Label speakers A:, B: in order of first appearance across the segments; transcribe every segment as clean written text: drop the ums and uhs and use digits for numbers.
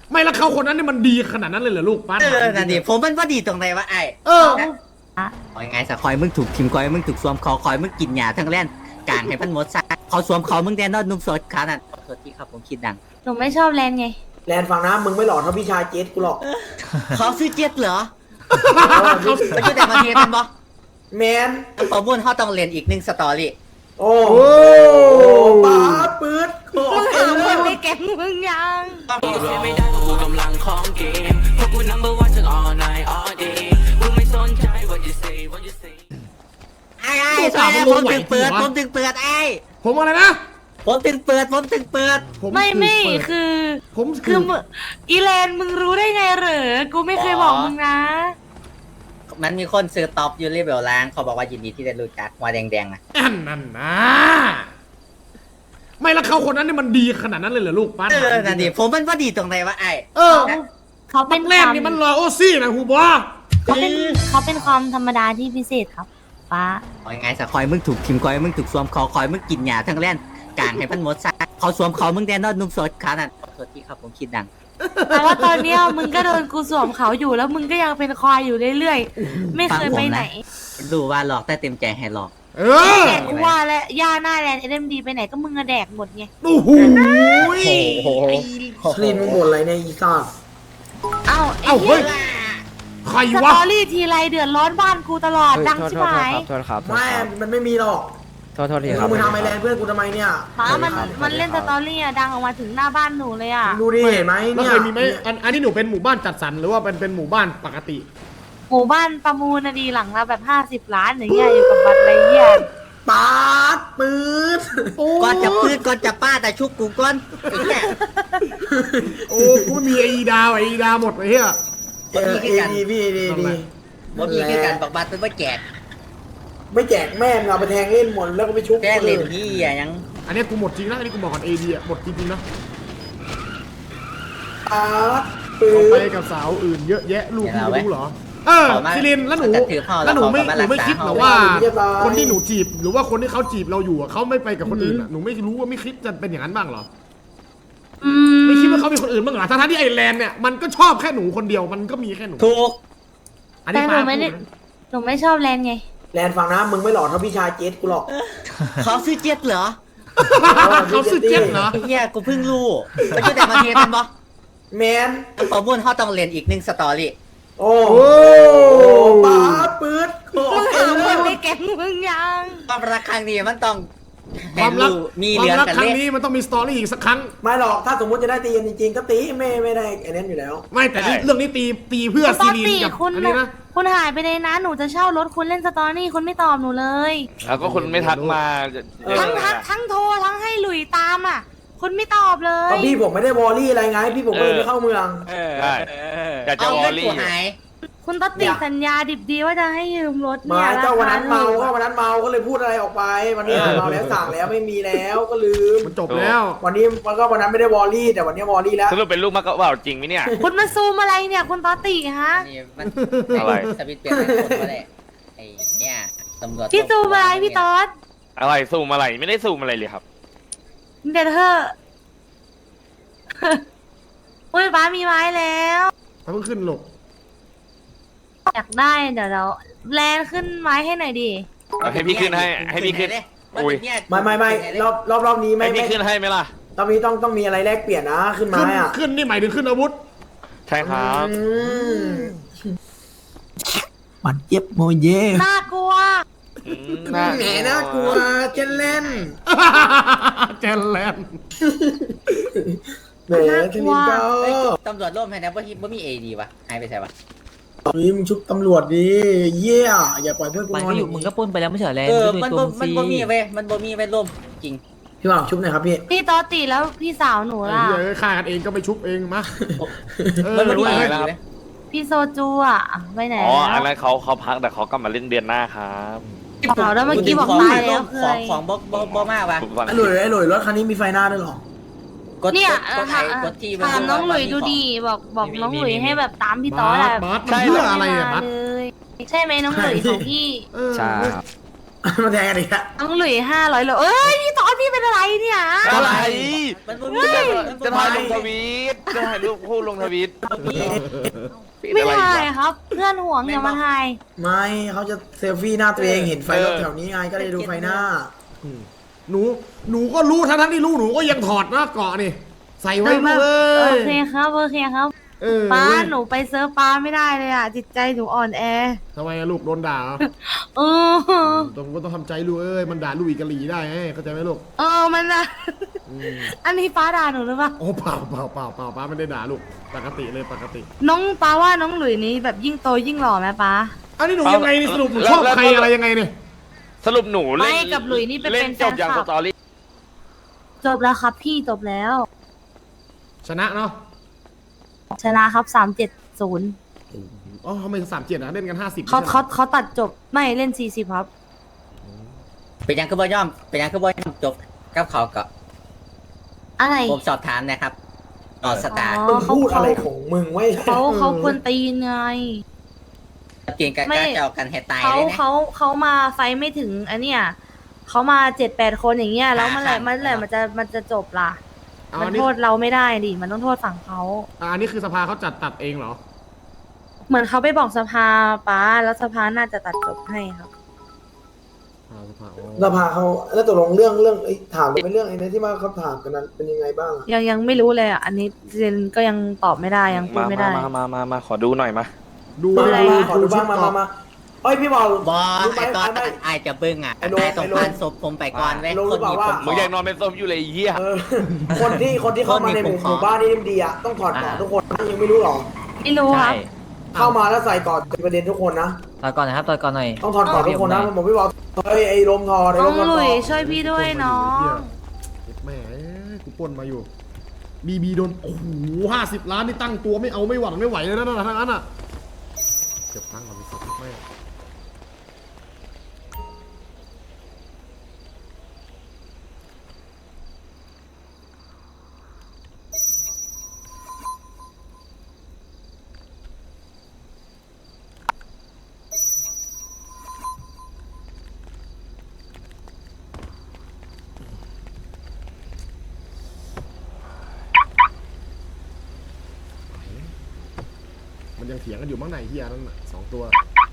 A: ไม่แล้วเขาคนนั้นนี่มันดีขนาดนั้นเลยเหรอลูกป้า
B: นั่นดิผมมันว่าดีตรงไหนวะไอ้คอยไงสะคอยมึงถูกทิมคอยมึงถูกสวมคอยมึงกินหยาทั้งแล่นกลางให้พันหมดซะเขาสวมเขามึงแดนนอดนุ่มสดขานั่นขอโทษที่ครับผมคิดดัง
C: หนูไม่ชอบแลนไง
D: แลนฟังนะมึงไม่หล่อเท่าพี่ชายเจสกูหรอก
B: เขาซื้อเจ็ดเหรอไปช่วยแต่มาเทียเป็นบ่
D: แมน
B: ประมุ่นเขาต้องเรียนอีกหนึ่งสตอรี่
D: โอ้ป้าปื๊ดโอ้
C: มึงไม่แก๊งมึงยัง
E: ไม่ได้เพราะกูกำลังของเกมเพราะกู number one ทั้ง all night all day กูไม่สนใจ what you say what you say
B: ไอ้ผมถึงเปิดไอ้
A: ผมอะไรนะ
B: ผมถึงเปิด
C: ไม่คืออีแลนมึงรู้ได้ไงเหรอกูไม่เคยบอกมึงนะ
B: มันมีคนซื้อท็อปยูริเบลล้างเขาบอกว่ายินดีที่ได้รู้จักหัวแดงๆนะ
A: นั่นนะไม่แล้วเขาคนนั้นนี่มันดีขนาดนั้นเลยเหรอลูกป้า
B: นั่นดิผมมันว่าดีตรงไหนวะไอ้
C: เขาเป็น
A: แรกนี่มันรอโอซี่นะฮูบอ
C: เขาเป็นความธรรมดาที่พิเศษครับป้า
B: คอยไงสะคอยมึงถูกทิมคอยมึงถูกสวมคอยมึงกินหยาทั้งแล่นกลางให้พันหมดซะเขาสวมเขามึงแดนนอดนุ่มสดขานั่นขอโทษที่ครับผมคิดดัง
C: แต่ว่าตอนเนี้ยมึงก็โดนกูสวมเขาอยู่แล้วมึงก็ยังเป็นควายอยู่เรื่อยๆไม่เคยไปไหน
B: รู้ว่าหลอกแต่เต็มใจให้หลอก
C: แดกกูว่าและย่าหน้าแลนเอ็มดีไปไหนก็มึงอะแดกหมดไง
A: โอ้โห
D: ลินมึงบ่นอะไรเนี่ยอีซ่า
C: เอ้า
A: เฮ้ยใคร
C: ส
A: วะ
C: ตอรี่ทีไรเดือดร้อนบ้านกูตลอดดังชิบหาย
F: โทษครับ
D: ไม่มันไม่มีหรอก
F: โทษทีครับ
D: มึงทำไอแลนเพื่อนกูทำไมเนี่ย
C: ป้ามันเล่นสตอรี่อะดังออกมาถึงหน้าบ้านหนูเลยอะ
D: ดูดิเห็นไหม
A: แล้ว
D: เนี่ย
A: เคยมีไหมอันนี้หนูเป็นหมู่บ้านจัดสรรหรือว่าเป็นหมู่บ้านปกติ
C: หมู่บ้านประมูลนะดีหลังละแบบ50 ล้านอย่างเงี้ยอยู่กับบัตรอะไรเงี้ย
D: ป้าปื๊ด
B: ก่อนจะพืชก่อนจะป้าแต่ชุบกูก่อนไอ้เนี่ย
A: โอ้กูไม่มีไอดาหมดเลยเฮีย
D: เอดีพี่ดี
B: บ่มีคือกันบอกบัตรเป็นว่าแจก
D: ไม่แจกแม่เอาไปแทงเล่นหมดแล้วก็ไปชุบ
B: แกล้งเล่นที่ยัง
A: อันนี้กูหมดจริงนะอันนี้กูบอกก่อนดีอะหมดจริงๆนะ
D: ป้าปื๊
A: ออกไป
D: ด
A: กับสาวอื่นเยอะแยะลูกพี่ไม่รู้เหรอซิลินแล้วหนูไม่คิดหรอว่า คนที่หนูจีบหรือว่าคนที่เขาจีบเราอยู่เขาไม่ไปกับคนอื่นหนูไม่รู้ว่าไม่คิดจะเป็นอย่างนั้นบ้างหรอไม่คิดว่าเขามีคนอื่นบ้างเหรอทั้งที่ไอแลนด์เนี่ยมันก็ชอบแค่หนูคนเดียวมันก็มีแค่หนู
B: ถูก
C: แต่หนูไม่ชอบแลนไง
D: แลนฟังนะมึงไม่หล่อเท่าพี่ชายเจสกูหรอก
B: เขาซื้อเจ็ดเหรอ
A: เขาสุดเจ็บเหรอ
B: ไอ้เหี้ยกูเพิ่งรู้ไปช่วยแต่มาเทียเป็นบ่
D: แมน
B: ประมุ่นเขาต้องเรียนอีกหนึ่งสตอรี่
D: โอ้ป้าปื๊ดโอ้
C: มึงไม่แก๊งมึงยัง
B: ความรักครั้งนี้มันต้อง
A: ความรัก
B: มี
A: ควา
B: เรื่อ
A: ม
B: ง
A: รัก
B: กัน
A: ครั้
B: เล่
A: งนี้มันต้องมีสตอรี่อีกสักครั้ง
D: ไม่หรอกถ้าสมมติจะได้ตีกันจริงๆก็ตีไม่ได้ไอ้นั่นอยู่แล้ว
A: ไม่แต่เรื่องนี้ตีเพื่อ
C: ต
A: ซี
C: อน
A: รี
C: ตี
A: นกับ
C: คุณ
A: อันนี้นะ
C: คุณหายไปเลยนะหนูจะเช่ารถคุณเล่นสตอรี่คุณไม่ตอบหนูเลย
G: แล้วก็คุณไม่ทักมา
C: ทั้งโทรทั้งให้หลุยตามอ่ะคุณไม่ตอบเล
D: ก็
C: ย
D: พี่ผมไม่ได้วอลลี่อะไรไงพี่ผมก็เลยไม่เข้าเมือง
G: ใช่อยากจะ
B: เอา
G: วอ
B: เงิ
G: ล
B: น
G: ลี่
B: กูหาย
C: คุณต้องติดสัญญาดิบดีว่าจะให้ยืมรถ
D: มา
C: เนี่ย
D: เจ้าวันนั้นเมา
C: ราค
D: ก็วันนั้นเมาก็เลยพูดอะไรออกไป วันนี้เมาแล้วสั่งแล้วไม่มีแล้วก็ลืม
A: มันจบแล้ว
D: วันนี้มันก็วันนั้นไม่ได้วอลลี่แต่วันนี้วอลลี่แล้ว
G: สรุปเป็นลูกมากกว่าจริงไหมเนี่ย
C: คุณมาซูมอะไรเนี่ยคุณตอติฮะ
B: นี่มัน
G: อะไร
B: สวิตช์เปลี่ยนเป็นคนก็ได้ไอ้เนี่ยตำรวจ
C: พี่ซูมอะไรพี่ตอด
G: อะไรซูมอะไรไม่ได้ซูมอะไรเลยครับ
C: เดี๋ยวเธอ อุ้ยป้ามีไม้แล้ว
A: เพิ่งขึ้นหลก
C: อยากได้เดี๋ยวเราแลนขึ้นไม้ให้หน่อยดิ
G: เอาให้พี่ขึ้นให้พี่ขึ้น อุ้ย
D: ไม่รอบนี้ไม่
G: ให้พี่ขึ้นให้ไหมล่ะ
D: ตอนนี้ต้องมีอะไรแลกเปลี่ยนนะขึ้นมาอ่ะ
A: ขึ้นนี่หมายถึงขึ้นอาวุธ
G: ใช่ครับ
D: มันเจ็บโมเย่
C: น่ากลัว
D: แหมน่ากลัวเจนเล่น
A: แจนแลนด์
D: แหมชนิดเก้า
B: ตำรวจร่วมให้นะว่ามีเอดีวะหายไปใช่ปะ
D: นี่มึงชุบตำรวจดิเย่อย่าปล่อยเพื่อนกู
F: มัน
D: นอ
F: ก็
D: น
F: อยู่มึงก็ปุ้นไปแล้วไม่เฉยเลย
B: มันบ่มีเว้ยมันบ่มีเว้ยร่วมจริง
D: พี่บ่าวชุบหน่อยครับพี่
C: พี่ตอติแล้วพี่สาวหนูล่ะ
A: เฮ้ยฆ่ากันเองก็ไปชุบเองมา
B: มันบ่มี
G: อะไร
B: เอ
G: นะ
B: ดี
G: ครับ
B: เว้ย
C: พี่โซจูอ่ะไปไหน
G: อ๋อ
C: แล้
G: อั
C: วน
G: นั้นเขาพักแต่เขากลับมาเล่นเดือนหน้าครับ
C: เอาแล้วเมื่อกี้บอกตายแล้วเคย
B: ของบ่มากวะ
G: ทุกวัน
D: ไอ้หลุยรถคันนี้มีไฟหน้าด้วยหรอ
C: เนี่ย
B: กดไทยกดที่
C: ถามน้องหลุยดูดีบอกน้องหลุยให้แบบตามพี่ตอแหละ
A: บัสมันเพื่ออะไรอะบัส
C: เลยใช่ไหมน้องหลุยของพี่
F: ใช่
D: มาแทงกันอีกแล้ว
C: น้องหลุย500โลเอ้ยพี่ตอนพี่เป็นอะไรเนี่ย
G: อะไร
B: มันบ่
G: จะถ่ายลงทวีตจะถ่ายรูปคู่ลงทวีต
C: ไม่ถ่ายครับ เพื่อนห่วงอย่ามาถ่าย
D: ไม่เขาจะเซลฟี่หน้าตัวเองเห็นไฟรถแถวนี้ไงก็เลยดูไฟหน้า
A: หนูก็รู้ทั้งที่รู้หนูก็ยังถอดหน้าเกาะนี่ใส่ไว้ลูกเอ้
C: โอย เคครับโอเคครับ ป้า
A: เว้ย
C: หนูไปเซิร์ฟป้าไม่ได้เลยอ่ะจิตใจหนูอ่อนแอ
A: ทำไมอะลูกโดนด่าเหรอ
C: เออ
A: ต้องทำใจลูกเอ้ยมันด่าลูกอีกกะหรี่ได้ไงเข้าใจไหมลูก
C: มันอะอันนี้ป้าด่าหนูหรือเปล่า
A: โอ้เปล่าป้าไม่ได้ด่าลูกปกติเลยปกติ
C: น้องป้าว่าน้องหลุยนี้แบบยิ่งโตยิ่งหล่อไหมป้า
A: อันนี้หนูยังไงนี่สรุปหนูชอบใครอะไรยังไงเนี่ย
G: สรุปหนูเล่น
C: ไม่กับหลุยนี่เป็น
G: เล่นจบอย่าง
C: แฟ
G: ส
C: นคลับ
G: ตอรี่
C: จบแล้วครับพี่จบแล้ว
A: ชนะเนาะ
C: ชนะครับ370
A: อ๋อทำไม37นะเล่นกัน50
C: เขาตัดจบไม่เล่น40ครับ
B: เป็นยังคือบ่ย่อมจบกับเขาก็
C: อะไร
B: ผมสอบถามนะครับต่อสตาร์
C: อ๋อ
D: มึงพูดอะไรของมึงไว้
C: เขาควรตีนไง
B: เปลี่ยนกัน
C: ไม่
B: กล้าเจากันให้ตาย
C: เขา
B: เลยนะ
C: เขามาไฟไม่ถึงอันเนี้ยเขามา7-8 คนอย่างเงี้ยแล้วเมื่อไหร่มันจะจบล่ะ มัน
A: อันนี้
C: โทษเราไม่ได้ดิมันต้องโทษฝั่งเขา
A: อันนี้คือสภาเขาจัดตัดเองเหรอ
C: เหมือนเขาไปบอกสภาป้าแล้วสภาน่าจะตัดจบให้ครับ
A: สภาอ๋อ
D: สภาเขาแล้วตกลงเรื่องถามเป็นเรื่องไอ้นั้นที่ว่าเขาถามกันนั้นเป็นยังไงบ้างอะ
C: ยังไม่รู้เลยอ่ะอันนี้เจนก็ยังตอบไม่ได้ยังพูดไม่ได้
G: มาขอดูหน่อยมา
A: ดู
C: อะไร
D: ขอดูบ้างมาเอ้ยพี่บอล
B: บอ
D: รู้ไหม
B: ไอตอน
D: ไม่
B: ไอจะเบิ้งอ่ะ
D: ไอ้โล
B: ไอต้อง
D: ไอ้โล
B: ผ่านศพผมไปก่อนเว้ย
D: รู้หรือเปล่าว่า
G: มึงอยากนอนเป็นส้มอยู่เลยไอ้เหี้ย
D: เออคนที่เข้ามาในหมู่บ้านนี่ดีอ่ะต้องถอดก่อนทุกคนยังไม่รู้หรอ
C: ไม่รู้ครับ
D: เข้ามาแล้วใส่ก่อนเป็นประเด็นทุกคนนะ
F: ตอนก่อนนะครับตอนก่อนหน่อย
D: ต้องถอดก่อนทุกคนนะผมพี่บอลไอ้ลมทอไอ้
C: น้
D: ล
C: อง
D: มท
C: หลุ
D: อย
C: ช่วยพี่ด้วยน้อง
A: แม่กูปล้นมาอยู่บีโดนโอ้โห50 ล้านนี่ตั้งตัวไม่เอาไม่หวังไม่ไหวเลยนะทางนั้นอ่ะเก็บตังค์ก่อนไปสักแม่มันยังเถียงกันอยู่มั้งไหนเฮียนั่นน่ะ2 ตัว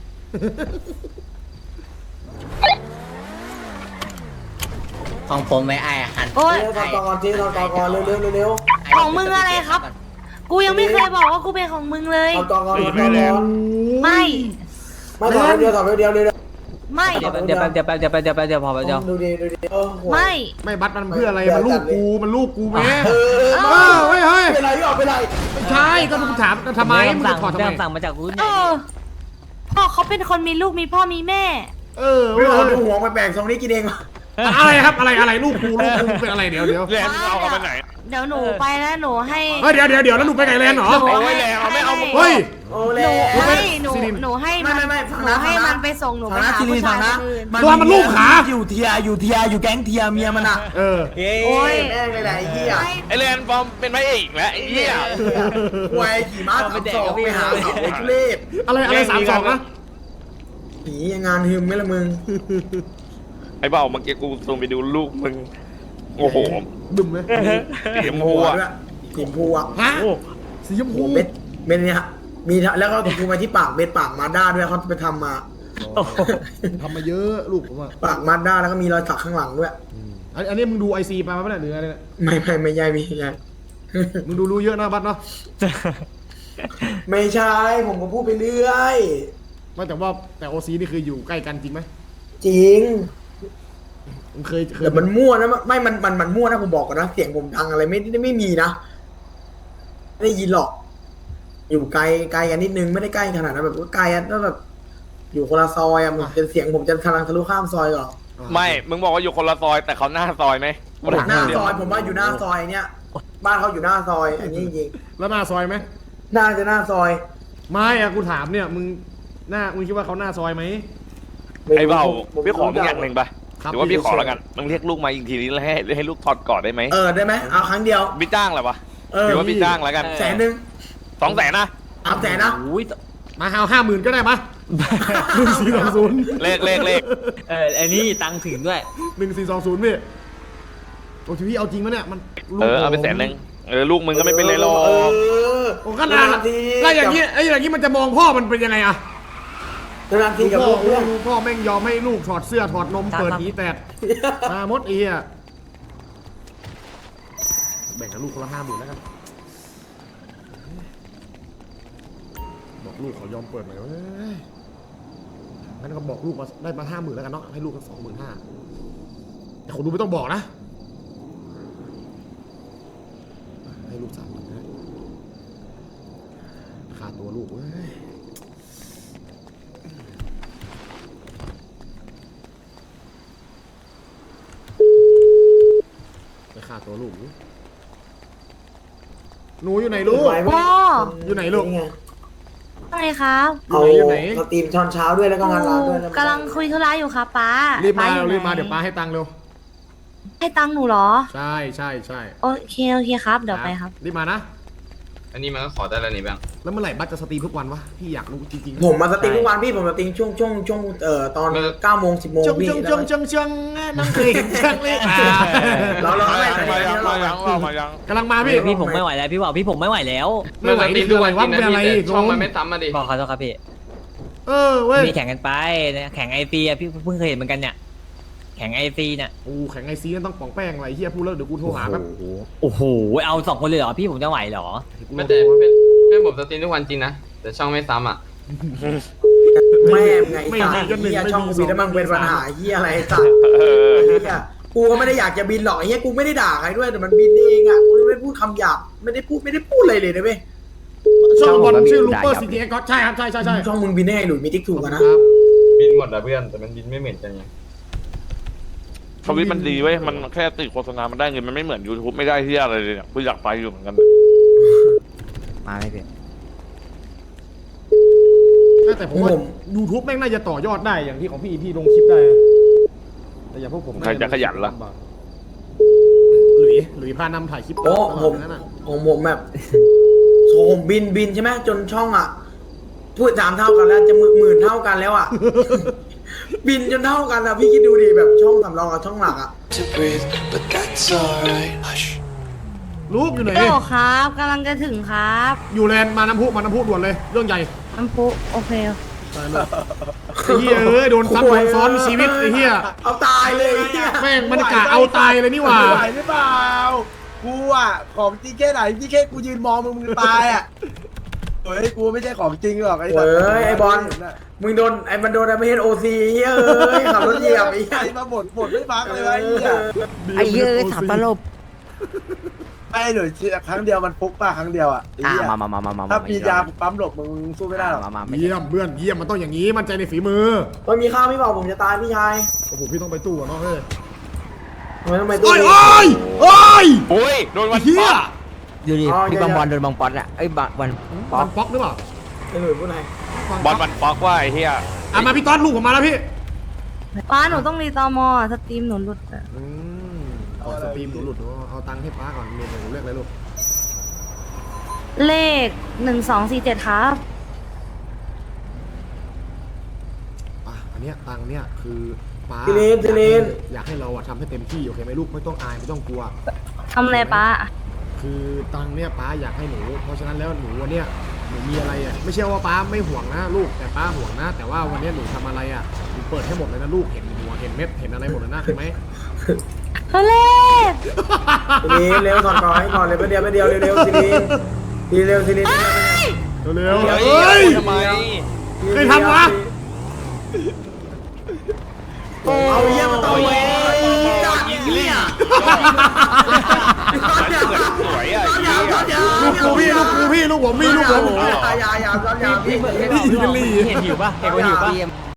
B: ของผมไว้ไอหัน
C: โอ๊ย
D: ถอดก่อนทีถอดก่อนเร็ว
C: ของมึงอะไรครับ กูยังไม่เคยบอกว่ากูเป็นของมึงเลย
D: ถอดก่อนถอดก่อน
C: ไม่
D: ไม่ถอดเดียวถอดเดียวเลย
C: ไม่
F: เดี๋ยวพอแป๊บเดียว
D: ดูดี
C: ไม่
A: ไม่บัตรมันเพื่ออะไรมันลูกกูแม่
D: เออ
A: เฮ้ย
D: เป็นไรพี่ออกเป็นไร
A: ไม่ใช่ก็ต้องถามทำไมมึงจะถอดทำไม
F: สั่งมาจากรุ่น
C: เออพ่อเขาเป็นคนมีลูกมีพ่อมีแม่
D: พี่บอลดูหัวแปลกๆทรงนี้กินเอง
A: อะไรครับอะไรลูกกูเป็นอะไรเดี๋ยว
G: แลนด์เอาเขาไปไหน
C: เดี๋ยวหนูไปแล้วหนูให้
A: เฮ้ยเดี๋ยวแล้วหนูไปไก่แลนด์เหรอ
C: หนู
G: เอาไว้แล้วไม่เอา
A: เฮ้ย
D: โอ้
C: ห
D: แล้
C: นู
D: ว
C: ให้หนู
A: ซิริน
C: หนูให้
D: ไม่
C: มัน
D: ฟัง
C: หนู
D: นะ
C: ให้
D: ฟังนะ
C: มันไปส่งหนูไป
D: ฟังนะ
C: หา
D: ซิริ
C: ผู้
D: น
C: ชาย
D: ฟังนะ
C: คนอื่น
A: ตัวมันลูกขา
D: อยู่เทียอยู่แก๊งเทียเมียมันอ่ะ
A: เออ
C: โอ้ย
D: แม่งเลยแหละไอ้เหี้ย
G: ไอแลนด์ฟอร์มเป็นพระเอกแล้วไอ้เหี้ย
D: ควายขี่ม้าสามศอกไปหาเขาไอ้ทุเรศ
A: อะไร32นะ
D: ผีงานฮึมไหมล่ะมึง
G: ไอ้เบาเมื่อกี้กูส่งไปดูลูกมึงโอ้โห
A: บึ้มไหม
G: เสียมหัว
D: ด้วยสีชมพูอ่ะ
A: ฮะสีชมพู
D: โอ้เม็ดเนี่ยมีแล้วก็ถูกมาที่ปากเม็ดปากมาด้าด้วยเขาไปทำมา
A: ทำมาเยอะลูกผมอ่ะ
D: ปากมาด้าแล้วก็มีรอยสักข้างหลังด้วย
A: อันนี้มึงดูไอซีมาไหมเนี่ยหรืออะไรเนี่ย
D: ไม่ใช่ไม่ใช่
A: มึงดูรู้เยอะนะบัตรเนาะ
D: ไม่ใช่ผมก็พูดไปเรื่อย
A: ไม่แต่โอซีนี่คืออยู่ใกล้กันจริงไหม
D: จริง
A: มึงเคย
D: แต่มันมั่วนะไม่มันมั่วนะผมบอกก่อนนะเสียงผมดังอะไรไม่มีนะไม่ได้ยินหรอก อยู่ไกลกันนิดนึงไม่ได้ใกล้ขนาดนั้นแบบว่าไกลอะแล้วแบบอยู่คนละซอยอะมันเป็นเสียงผมจะทะลุข้ามซอยก่อน
G: ไม่มึงบอกว่าอยู่คนละซอยแต่เขาหน้าซอยไหม
D: หน้าซอยผมว่าอยู่หน้าซอยเนี่ยบ้านเขาอยู่หน้าซอย อันนี้จริง
A: แล้วหน้าซอยไหม
D: ๆน่าจะหน้าซอย
A: ไม่อะกูถามเนี่ยมึงคิดว่าเขาหน้าซอยไหม
G: ไอ้เบาพี่ขอมึงอย่างหนึ่งปะ
A: ครับ
G: หรือว่าพี่ขอแล้วกันมึงเรียกลูกมาอีกทีนี้แล้วให้ลูกถอดกอดได้ไหม
D: ได้ไหมเอาครั้งเดียว
G: พี่จ้างอะไรวะ
D: เออ
G: หรือว่าพี่จ้างแล้วกัน
D: 100,000
G: 200,000นะ
D: 300,000นะ
F: อุ้ย
A: มาเอา50,000ก็ได้มา1420
G: เลข
F: ไอ้นี่ตังค์ถึงด้วย
A: 1420พี่โอ้ทีพี่เอาจริงมั้ยเนี่ยมันลูก
G: เอาไป100,000ลูกมึงก็ไม่เป็นไรหรอก
A: โอ้ขนาดแล้วอย่างนี้มันจะมองพ่อมันเป็นยังไงอะ
D: นานทีกับลูกเพื่อน
A: พ่อแม่งยอมให้ลูกถอดเสื้อถอดนมเปิดหีแตดมามดอีอะแบ่งกับลูกคนละ50,000แล้วกันบอกลูกเขายอมเปิดหน่อยเว้ยงั้นก็บอกลูกมาได้มา50,000แล้วกันเนาะให้ลูกกัน25,000แต่คนดูไม่ต้องบอกนะให้ลูก30,000นะค่าตัวลูกเว้ยไปค่าตัวลูกหนูอยู่ไหนลูก
C: พ่อ
A: อยู่ไหนลูก
C: อะไรครับ
D: เอา
A: อยู่ไหน
D: สตรีมตอนเช้าด้วยแล้วก็งานร้านด้วย
C: กำลังคุยธุระอยู่ครับป้า
A: รีบมา
C: ป้อยู่ไหน
A: รีบมาเดี๋ยวป้าให้ตังค์เร็ว
C: ให้ตังค์หนูเหรอ
A: ใช่ใช่ใช่
C: โอเคครับเดี๋ยวไปครับ
A: รีบมานะ
H: อันนี้มันก็ขอได้แล้วนี่แบงค์
A: แล้วเมื่อไหร่บัสจะสตรีมทุกวันวะพี่อยากรู้จริงๆ
D: ผมมาสตรีมทุกวันพี่ผมสตรีมช่วงตอน9 โมง 10 โมง
A: จง
D: พี่
A: จงน้องเคยเห็นช่างเลยอ่ะ
D: เราไม่
G: มายัง
A: กำลังมาพี่
F: พี่ผมไม่ไหวแล้วพี่บอกพี่ผมไม่ไหวแล้ว
A: ไม่ไหวนี่คืออะไรวะเป็นอะไร
H: ช่องมันไม่ซ้ำมาดิ
F: บอกขอโทษครับพี่
A: เว้ย
F: มีแข่งกันไปแข่งไอซีอะพี่เพิ่งเคยเห็นเหมือนกันเนี่ยแข่งไอซีเนี่ย
A: โอ้แข่งไอซีนั่นต้องป่องแป้งอะไรเฮียพูดแล้วเดี๋ยวกูโทรหาครับ
F: โอ้โหเอา2 คนเลยเหรอพี่ผมจะไหวเหรอ
H: ไม่แต่เพื่อนผมสตรีมทุกวันจริงนะแต่ช่องไม่ซ้ำอ่ะ
D: แม่ไงสัตว์เฮียช่องกูบินแล้วมันเป็นปัญหาเฮียอะไรสัตว์เฮียกูก็ไม่ได้อยากจะบินหรอกเฮียกูไม่ได้ด่าใครด้วยแต่มันบินเองอ่ะกูไม่พูดคำหยาบไม่ได้พูดอะไรเลยนะเว้ย
A: ช่องบอลชื่อลูเปอร์ซิตี้ก็ใช่ครับใช่
D: ช่องมึงบินได้ไงหลุยมีติ๊กถูกกันนะ
H: บินหมดนะเพื่อนแต่มันบินไม่เหมือนกันไง
G: ทวิตมันดีเว้ยมันแค่ติดโฆษณามันได้เงินมันไม่เหมือน YouTube ไม่ได้ที่อะไรเลยเนี่ยกูอยากไปอยู่เหมือนกัน
B: มาไม่เป็น
A: แต่ผมว่า YouTube แม่งน่าจะต่อยอดได้อย่างที่ของพี่ลงคลิปได้แต่อย่างพวกผม
G: ใครจะขยันล่ะ
A: หลุยพานำถ่ายคลิป
D: โอ้ผมแบบผมบินใช่ไหมจนช่องอ่ะพูด3 เท่ากันแล้วจะ10,000 เท่ากันแล้วอ่ะ บินจนเท่ากันอ่ะพี่คิดดูดิแบบช่องสำรองกับช่องหลักอ่ะ
A: ลูกอยู่ไหน
C: โอ้ครับกำลังจะถึงครับ
A: อยู่แลนด์มาน้ำพุด่วนเลยเรื่องใหญ่
C: น้ำพุโอเค
A: ไอ้เหี้ยโดนซ้ำโดนซ้อนชีวิตไอ้เหี้ย
D: เอาตายเลยเหี้ย
A: แม่งมันกะเอาตายเลยนี่หว่า
I: ไหวหรือเปล่ากูอ่ะของจริงแค่ไหนพี่แค่กูยืนมองมึงตายอ่ะเฮ้ยกูไม่ใช่ของจริงหรอกไอ้สัตว์
D: เฮ้ยไอ้บอลมึงโดนมันโดนไม่เห็นOCเฮ้ยเอ้ยขับรถเหยียบไอ้เหี้
I: ใคร
D: ย
I: มาบ่นไม่พักเลยวะไอ้เหี้ย
B: ไอ้เหี้ยถามตลบ
I: ไม่หรือครั้งเดียวมันฟุกป่ะครั้งเดียวอ่ะไอ้เหี้ย
B: มา
I: ถ้ามียาปั๊มหลบมึงสู้ไม่ได้หรอก
B: มา
A: เยี่ยมเพื่อนเยี่ยมมันต้องอย่างนี้มั่นใจในฝีมือ
D: มันมีข้าวไม่บอกผมจะตายพี่ชาย
A: โอ้โหพี่ต้องไปตู้อ่ะเนาะเฮ้ย
D: ทำไมต้องไปตู้
A: โอ้ย
D: นี้
A: โอ้ย
G: โอ้ยโดนวัน
A: เฮีย
B: ดูดิพี่บอลโดนบอลป๊อตอะไอ้บอล
A: บอลป๊อกหรือเปล่า
D: ไอ้หนุ่ยพูดไหน
G: บอลมันป๊อกว่าไอ้เหี้ย
A: มาพี่ต้อนลูกผมมาแล้วพี่
C: ป้าหนูต้องรีตอมอสตรีมหนูหลุดอะ
A: สตรีมหนูหลุดเอาตังค์ให้ป้าก่อนเรียนเลือกอะไรลูก
C: เลข1247ครับ
A: อันเนี้ยตังค์เนี้ยคือป้า
D: ทีเลน
A: อยากให้เราอะทำให้เต็มที่โอเคไหมลูกไม่ต้องอายไม่ต้องกลัว
C: ทำอะไรป้า
A: คือตังค์เนี่ยป้าอยากให้หนูเพราะฉะนั้นแล้วหนูวันเนี้ยหนูมีอะไรอ่ะไม่ใช่ว่าป้าไม่ห่วงนะลูกแต่ป้าห่วงนะ แต่ว่าวันเนี้ยหนูทำอะไรอ่ะหนูเปิดให้หมดเลยนะลูกเห็นหัวเห็นเม็ดเห็นอะไรหมดเลยนะเห็นไหม
C: เลข
D: ทีเลนเร็วถอดก่อนให้ก่อนเลยไม่เดียวเร็วทีเลนเร็ว
A: เร็ว
G: เฮ้ยทำไม
A: เคยทำวะ
D: เอาเยี่ยมมาต่อเว้ยจัดเหี้ย
G: สวยอ่ะ
A: ลูกกูพี่ลูกผม
D: อย่า
F: พี่เห็นหิวป่ะเห็นคนหิวป่ะ